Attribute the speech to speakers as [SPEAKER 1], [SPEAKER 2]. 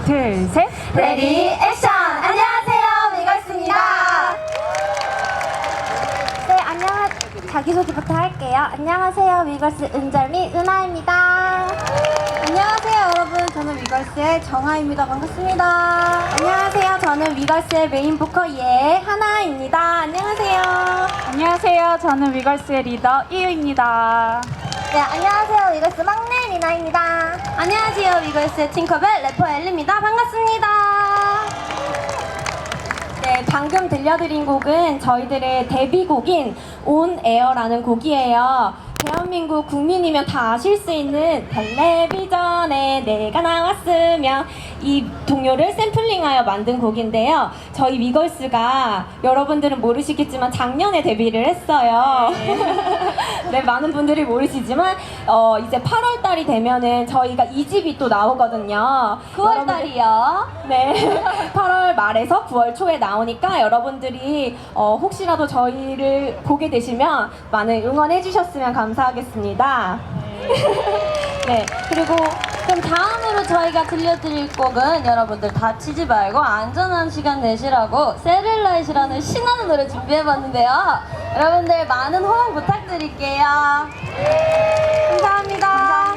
[SPEAKER 1] 둘, 셋.
[SPEAKER 2] 레디 액션! 안녕하세요, 위걸스입니다.
[SPEAKER 3] 네, 자기소개부터 할게요. 안녕하세요, 위걸스 은절미 은하입니다.
[SPEAKER 2] 안녕하세요, 여러분. 저는 위걸스의 정하입니다. 반갑습니다.
[SPEAKER 3] 안녕하세요, 저는 위걸스의 메인 보컬 하나입니다. 안녕하세요.
[SPEAKER 1] 안녕하세요. 저는 위걸스의 리더 이유입니다.
[SPEAKER 3] 네, 안녕하세요, 위걸스 막내 리나입니다.
[SPEAKER 2] 안녕하세요, 위걸스의 팅커벨 래퍼 엘리입니다. 반갑습니다.
[SPEAKER 3] 네, 방금 들려드린 곡은 저희들의 데뷔곡인 온 에어라는 곡이에요. 대한민국 국민이면 다 아실 수 있는 텔레비전에 내가 나왔으면 이 동요를 샘플링하여 만든 곡인데요. 저희 위걸스가 여러분들은 모르시겠지만 작년에 데뷔를 했어요. 네, 많은 분들이 모르시지만 이제 8월 달이 되면은 저희가 2집이 또 나오거든요.
[SPEAKER 2] 9월 달이요.
[SPEAKER 3] 네, 8월 말에서 9월 초에 나오니까 여러분들이 혹시라도 저희를 보게 되시면 많은 응원해 주셨으면 감사하겠습니다. 네, 그리고
[SPEAKER 2] 그럼 다음으로 저희가 들려드릴 곡은 여러분들 다치지 말고 안전한 시간 내시라고 세를라이트라는 신나는 노래 준비해봤는데요. 여러분들 많은 호응 부탁드릴게요. 감사합니다.